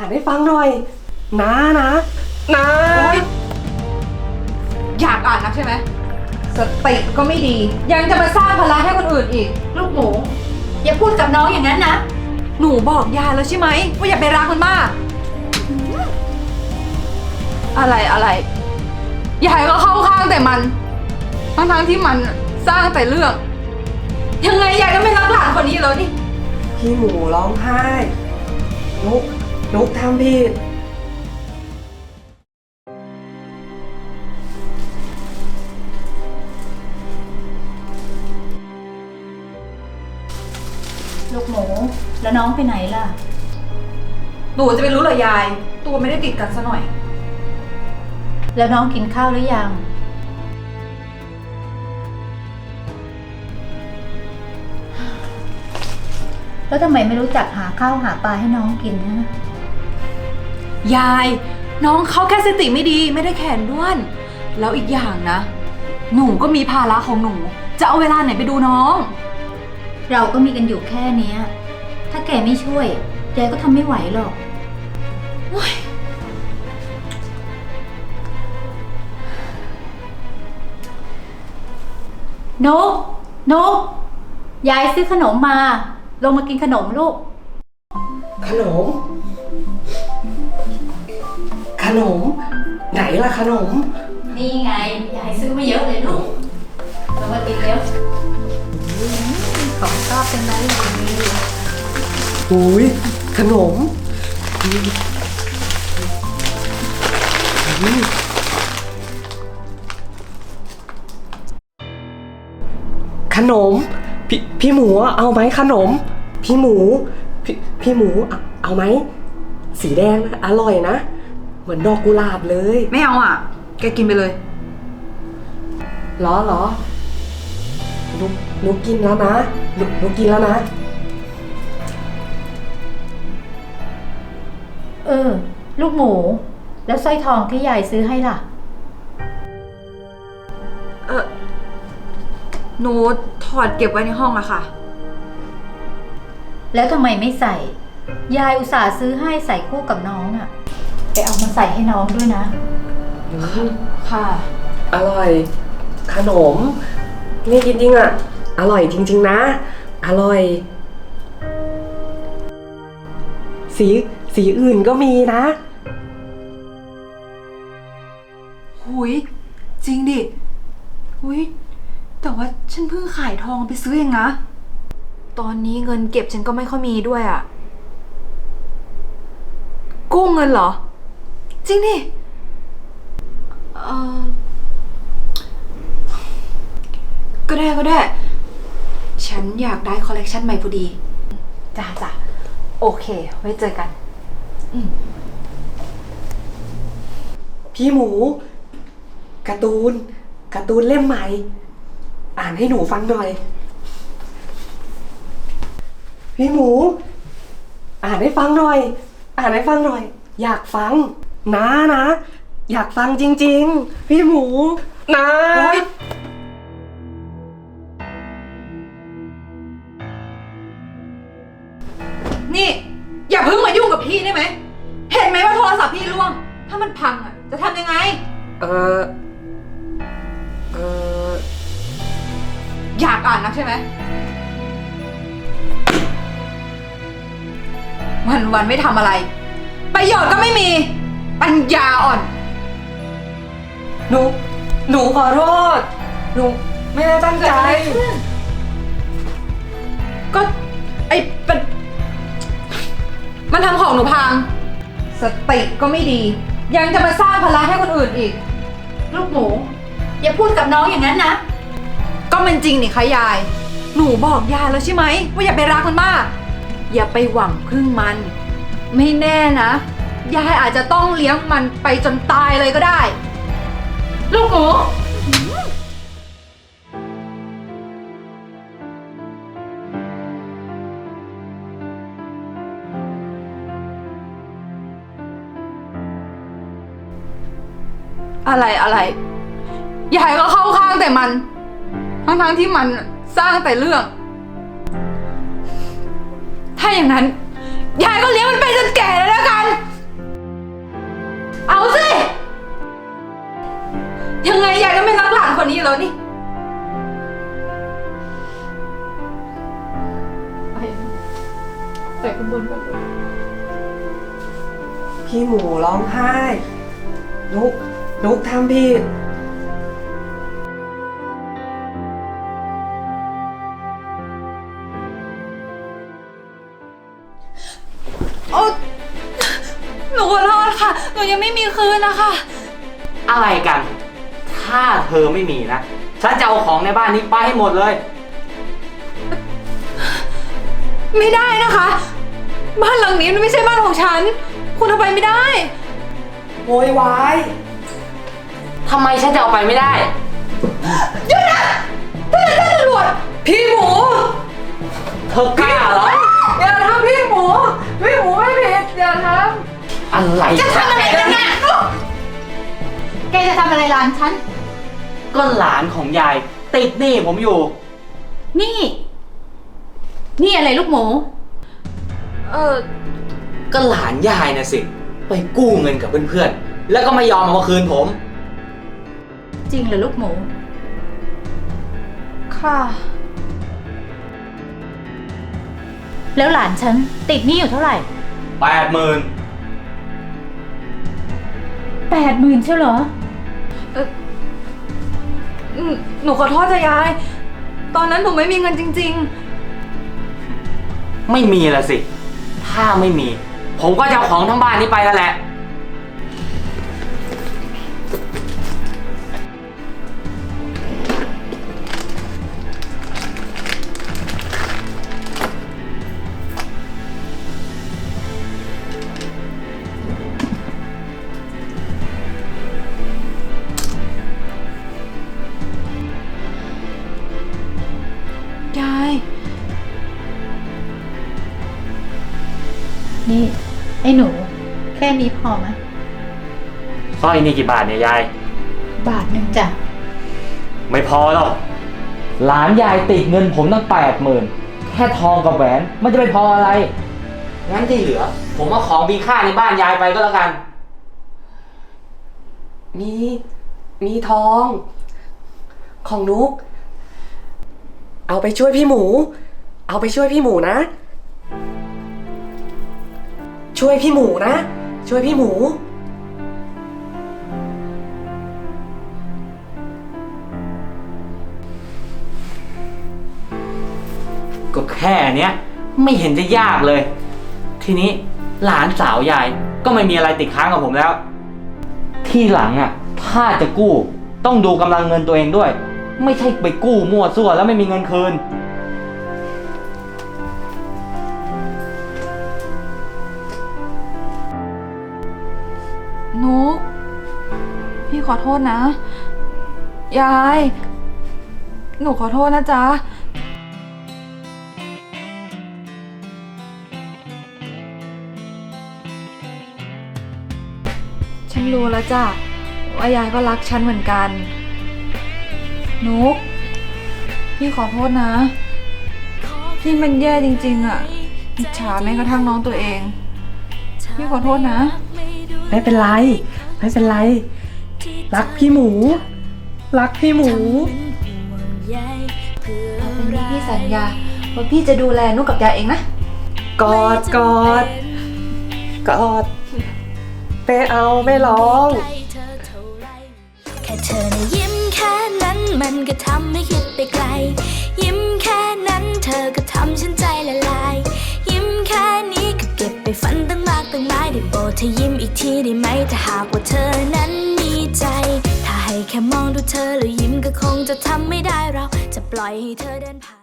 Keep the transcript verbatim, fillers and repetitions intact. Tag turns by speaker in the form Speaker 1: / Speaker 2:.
Speaker 1: านให้ฟังหน่อยนะนะนะ
Speaker 2: อยากอ่านนักใช่ไหมสติก็ไม่ดี ยังจะมาสร้างภาระให้คนอื่นอีก
Speaker 3: ลูกหมูอย่าพูดกับน้องอย่างนั้นนะ
Speaker 2: หนูบอกยายแล้วใช่ไหมว่าอย่าไปรักมันมาก อะไรอะไรยายก็เข้าข้างแต่มันทั้งทั้งๆที่มันสร้างแต่เรื่อง ยังไงยายก็ไม่รักหลานคนนี้แล้วนี่
Speaker 1: พี่หมูร้องไห้นุกนุกทำผิด
Speaker 3: ลูกหมูแล้วน้องไปไหนล่ะ
Speaker 2: หนูจะไปรู้เหรอยาย ตัวไม่ได้ติดกันซะหน่อย
Speaker 3: แล้วน้องกินข้าวหรือยังแล้วทำไมไม่รู้จักหาข้าวหาปลาให้น้องกินนะ
Speaker 2: ยาย น้องเขาแค่สติไม่ดีไม่ได้แขนด้วน แล้วอีกอย่างนะ หนูก็มีภาระของหนู จะเอาเวลาไหนไปดูน้อง
Speaker 3: เราก็มีกันอยู่แค่เนี้ยถ้าแกไม่ช่วยแกก็ทำไม่ไหวหรอกนกนกยายซื้อขนมมา ลงมากินขนมลูก
Speaker 1: ขนม ขนม ไหนล่ะขนม
Speaker 3: นี่ไงยายซื้อมาเยอะเลยลูกลงมากินเร็วของชอบเป็นไรเลย
Speaker 1: อุ้ยขนมอืมขนม พี่พี่หมูเอาไหมขนม พี่หมู พี่พี่หมูเอาเอาไหมสีแดงนะอร่อยนะ เหมือนดอกกุหลาบเลย
Speaker 2: ไม่เอาอ่ะ แกกินไปเลย
Speaker 1: เหรอเหรอนุกนุกกินแล้วนะนุกนุกกินแล้วนะ
Speaker 3: เออ ลูกหมู แล้วสร้อยทองที่ยายซื้อให้ล่ะ
Speaker 2: เออหนูถอดเก็บไว้ในห้องอะค่ะ
Speaker 3: แล้วทำไมไม่ใส่ ยายอุตส่าห์ซื้อให้ใส่คู่กับน้องอะไปเอามาใส่ให้น้องด้วยนะ
Speaker 2: ค่ะ
Speaker 1: อร่อย ขนม นี่จริงๆอ่ะ อร่อยจริงๆนะ อร่อย สีสีอื่นก็มีนะ
Speaker 2: หุยจริงดิหุยแต่ว่าฉันเพิ่งขายทองไปซื้อเองนะ ตอนนี้เงินเก็บฉันก็ไม่ค่อยมีด้วยอะกู้เงินเหรอ จริงดิเออก็ได้ก็ได้ ฉันอยากได้คอลเลกชันใหม่พอดีจ้าจ้ะโอเค ไว้เจอกัน อืม
Speaker 1: พี่หมูการ์ตูนการ์ตูนเล่มใหม่ อ่านให้หนูฟังหน่อย พี่หมู อ่านให้ฟังหน่อย อ่านให้ฟังหน่อย อยากฟังนะนะ อยากฟังจริงๆ พี่หมูนะ
Speaker 2: นี่ อย่าเพิ่งมายุ่งกับพี่ได้ไหม เห็นไหมว่าโทรศัพท์พี่ร่วง ถ้ามันพังอ่ะ จะทำยังไง
Speaker 1: เออเออ
Speaker 2: อยากอ่านนักใช่ไหมวันวันๆไม่ทำอะไร ประโยชน์ก็ไม่มี ปัญญาอ่อน
Speaker 1: หนู หนูขอโทษ หนูไม่ได้ตั้งใจ
Speaker 2: ก็ไอ้เป็นมันทำของหนูพัง สติก็ไม่ดี ยังจะมาสร้างภาระให้คนอื่นอีก
Speaker 3: ลูกหมูอย่าพูดกับน้องอย่างนั้นนะ
Speaker 2: ก็มันจริงนี่คะยาย หนูบอกยายแล้วใช่ไหมว่าอย่าไปรักมันมาก อย่าไปหวังพึ่งมัน ไม่แน่นะ ยายอาจจะต้องเลี้ยงมันไปจนตายเลยก็ได้
Speaker 3: ลูกหมู
Speaker 2: อะไรอะไร ยายก็เข้าข้างแต่มัน ทั้งทั้งๆที่มันสร้างแต่เรื่อง ถ้าอย่างนั้น ยายก็เลี้ยงมันไปจนแก่เลยแล้วกันบนกันเลย
Speaker 1: พี่หมูร้องไห้นุกนุกทำผิด
Speaker 2: โอ๊ยหนูขอโทษค่ะ หนูยังไม่มีคืนนะคะ
Speaker 4: อะไรกัน ถ้าเธอไม่มีนะ ฉันจะเอาของในบ้านนี้ไปให้หมดเลย
Speaker 2: ไม่ได้นะคะ บ้านหลังนี้มันไม่ใช่บ้านของฉัน คุณเอาไปไม่ได้
Speaker 1: โวยวาย
Speaker 4: ทำไมฉันจะเอาไปไม่ได้
Speaker 2: หยุดนะท่านตำรวจพี่หมู
Speaker 4: เธอกล้าเหรอ
Speaker 2: อย่าทำพี่หมู พี่หมูไม่ผิดอย่าท
Speaker 4: อะไร
Speaker 2: ำจะทำอะไรกันเนี่ย
Speaker 3: แกจะทำอะไรร้านฉัน
Speaker 4: ก็หลานของยายติดหนี้ผมอยู่
Speaker 3: นี่ นี่อะไรลูกหมู
Speaker 2: เออ
Speaker 4: ก็หลานยายนะสิ ไปกู้เงินกับเพื่อนๆ แล้วก็ไม่ยอมเอามาคืนผม
Speaker 3: จริงเหรอลูกหมู
Speaker 2: ค่ะ
Speaker 3: แล้วหลานฉันติดหนี้อยู่เท่าไหร่
Speaker 4: แปดหมื่น
Speaker 3: แปดหมื่นใช่เหรอ
Speaker 2: เอออืมหนูขอโทษจ้ะยาย ตอนนั้นหนูไม่มีเงินจริง
Speaker 4: ไม่มีละสิ ถ้าไม่มี ผมก็จะเอาของทั้งบ้านนี้ไปแล้วแหละ
Speaker 2: ๆ ยาย
Speaker 3: นี่ ไอ้หนู แค่นี้พอไหม
Speaker 4: สร้อยนี่กี่บาทเนี่ยยาย
Speaker 3: บาทหนึ่งจ้ะ
Speaker 4: ไม่พอหรอก หลานยายติดเงินผมตั้งแปดหมื่นแค่ทองกับแหวนมันจะไปพออะไร งั้นที่เหลือ ผมเอาของมีค่าในบ้านยายไปก็แล้วกัน
Speaker 1: มี มีทอง ของนุก เอาไปช่วยพี่หมู เอาไปช่วยพี่หมูนะ ช่วยพี่หมูนะ ช่วยพี่หมู
Speaker 4: ก็แค่เนี้ยไม่เห็นจะยากเลย ทีนี้หลานสาวยายก็ไม่มีอะไรติดค้างกับผมแล้ว ที่หลังอ่ะ ถ้าจะกู้ต้องดูกำลังเงินตัวเองด้วย ไม่ใช่ไปกู้มั่วซั่วแล้วไม่มีเงินคืน
Speaker 2: นุก พี่ขอโทษนะ ยาย หนูขอโทษนะจ๊ะ ฉันรู้แล้วจ้ะว่ายายก็รักฉันเหมือนกัน นุก พี่ขอโทษนะ พี่มันแย่จริงๆอ่ะอิจฉาแม้กระทั่งน้องตัวเอง พี่ขอโทษนะ
Speaker 1: ไม่เป็นไร ไม่เป็นไร รักพี่หมู รักพี่หมู
Speaker 2: ต่อไปนี้พี่สัญญาว่าพี่จะดูแลนุกกับยายเองนะ
Speaker 1: กอดกอด กอดไม่เอาไม่ร้อง
Speaker 5: แค่เธอนะยิ้มแค่นั้นมันก็ทำให้คิดไปไกล ยิ้มแค่นั้นเธอก็ทำฉันใจละลาย ยิ้มแค่นี้ก็เก็บไปฝันตั้งมากตั้งหลายได้โปรดเธอยิ้มอีกทีได้ไหมถ้าหากว่าเธอนั้นมีใจ ถ้าให้แค่มองดูเธอแล้วยิ้มก็คงจะทำไม่ได้เราจะปล่อยให้เธอเดินผ่าน